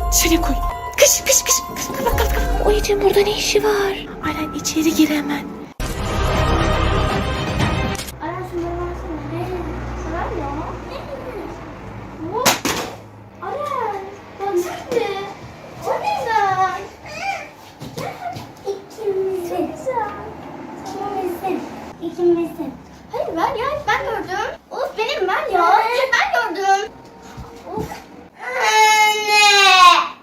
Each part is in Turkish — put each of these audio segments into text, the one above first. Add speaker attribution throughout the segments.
Speaker 1: Dışarıya koy. Kış kış kış. Kapat kapat kapat. O Ece'nin burada ne işi var? Aren içeri gir hemen.
Speaker 2: Aren şunları versene. Ne? Ver ya. Bu. Aren. Baksana. O neden? İkimizin. İkimizin. İkimizin. Hayır ver ya. Ben gördüm. Of benim ver ya. Ben gördüm. Of. Anne.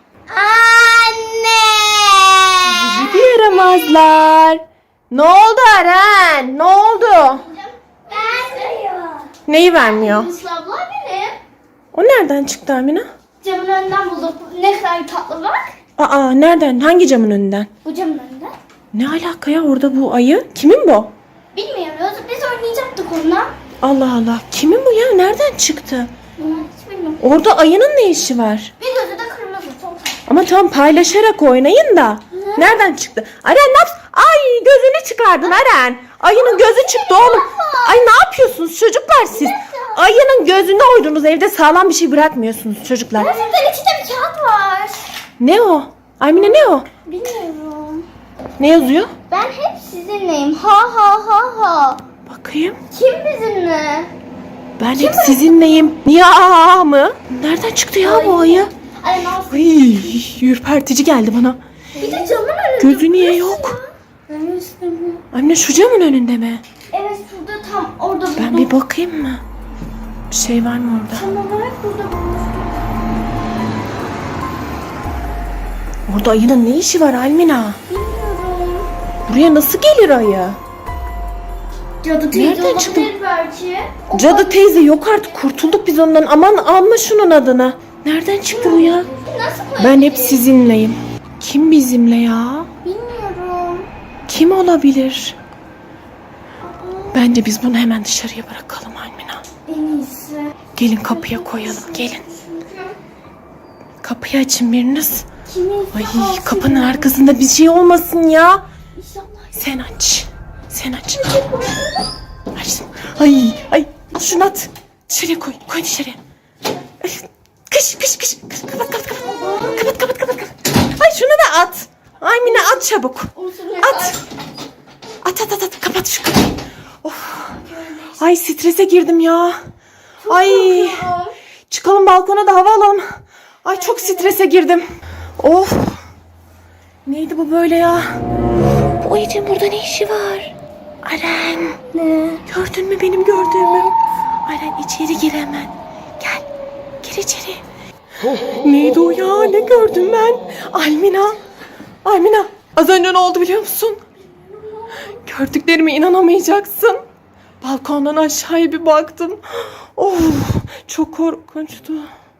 Speaker 2: Anne.
Speaker 1: Bizi yaramazlar. Ne oldu Aren? Ne oldu?
Speaker 2: Vermiyor.
Speaker 1: Neyi vermiyor?
Speaker 2: Yusuf abla benim.
Speaker 1: O nereden çıktı Amina?
Speaker 2: Camın önünden buldum. Ne kadar tatlı bak.
Speaker 1: Aa nereden? Hangi camın önünden?
Speaker 2: Bu camın önünde.
Speaker 1: Ne alaka ya orada bu ayı? Kimin bu?
Speaker 2: Bilmiyoruz. Biz oynayacaktık onunla.
Speaker 1: Allah Allah. Kimin bu ya? Nereden çıktı?
Speaker 2: Hiç bilmiyorum.
Speaker 1: Orada ayının ne işi var?
Speaker 2: Bir gözü de kırmızı. Çok tatlı.
Speaker 1: Ama tam paylaşarak oynayın da. Nereden çıktı? Aren ne yapsın? Ay gözünü çıkardın Aren. Ayının gözü çıktı oğlum. Ay ne yapıyorsunuz çocuklar siz? Ayının gözüne oydunuz. Evde sağlam bir şey bırakmıyorsunuz çocuklar.
Speaker 2: Gerçekten içinde bir kağıt var.
Speaker 1: Ne o? Aymine ne o?
Speaker 2: Bilmiyorum.
Speaker 1: Ne yazıyor?
Speaker 2: Ben hep sizinleyim. Ha ha ha ha.
Speaker 1: Bakayım.
Speaker 2: Kim bizimle?
Speaker 1: Ben hep sizinleyim. Ya mı? Nereden çıktı ya bu ayı?
Speaker 2: Ay nasıl?
Speaker 1: Ay, ürpertici geldi bana.
Speaker 2: Bir de camın önünde.
Speaker 1: Gözü niye yok?
Speaker 2: Ben üstümü.
Speaker 1: Anne şu camın önünde mi?
Speaker 2: Evet şurada tam orada buldum.
Speaker 1: Ben bir bakayım mı? Bir şey var mı orada?
Speaker 2: Tam olarak burada bulmuştum.
Speaker 1: Orada ayının ne işi var Almina?
Speaker 2: Bilmiyorum.
Speaker 1: Buraya nasıl gelir ayı?
Speaker 2: Cadı teyze
Speaker 1: Nereden
Speaker 2: olabilir
Speaker 1: çıktı?
Speaker 2: belki. O
Speaker 1: Cadı teyze yok artık kurtulduk biz ondan. Aman alma şunun adını. Nereden çıktı bu ya?
Speaker 2: nasıl koyabilir?
Speaker 1: Ben hep sizinleyim. Kim bizimle ya?
Speaker 2: Bilmiyorum.
Speaker 1: Kim olabilir? Bence biz bunu hemen dışarıya bırakalım Almina.
Speaker 2: En iyisi.
Speaker 1: Gelin kapıya koyalım gelin. Kapıyı açın biriniz.
Speaker 2: Kimin?
Speaker 1: Ay kapının arkasında bir şey olmasın ya.
Speaker 2: İnşallah.
Speaker 1: Sen aç. Sen aç. Açtım. Ay şunu at. Dışarıya koy. Koy dışarıya. Ay, kış kış kış. Kapat kapat kapat. Kapat kapat kapat. Ay şunu da at. Ay Mine at çabuk. At. At. Kapat şu kapıyı. Of. Ay strese girdim ya. Ay. Çıkalım balkona da hava alalım. Ay çok strese girdim. Of. Neydi bu böyle ya? Bu Ece'nin burada ne işi var? Aren.
Speaker 2: Ne?
Speaker 1: Gördün mü benim gördüğümü? Aren içeri gir hemen. Gel. Gir içeri. Neydi o ya? Ne gördüm ben? Almina. Az önce ne oldu biliyor musun? Gördüklerime inanamayacaksın. Balkondan aşağıya bir baktım. Of, çok korkunçtu.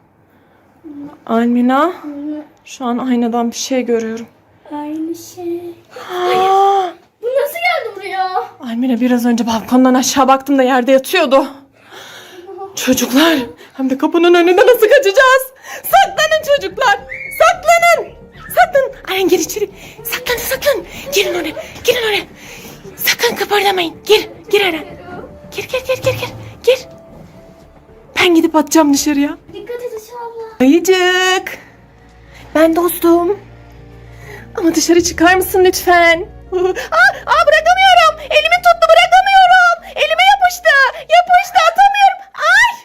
Speaker 1: Almina, şu an aynadan bir şey görüyorum.
Speaker 2: Aynı şey.
Speaker 1: Aa,
Speaker 2: Bu nasıl geldi buraya?
Speaker 1: Almina biraz önce balkondan aşağı baktım da yerde yatıyordu. Çocuklar, hem de kapının önünde nasıl kaçacağız? Saklanın çocuklar, saklanın. Aren gir içeri. Saklan. Girin oraya. Sakın kıpırdamayın. Gir Aren. Gir. Ben gidip atacağım dışarıya.
Speaker 2: Dikkat et inşallah.
Speaker 1: Ayıcık. Ben dostum. Ama dışarı çıkar mısın lütfen? Bırakamıyorum. Elimi tuttu bırakamıyorum. Elime yapıştı. At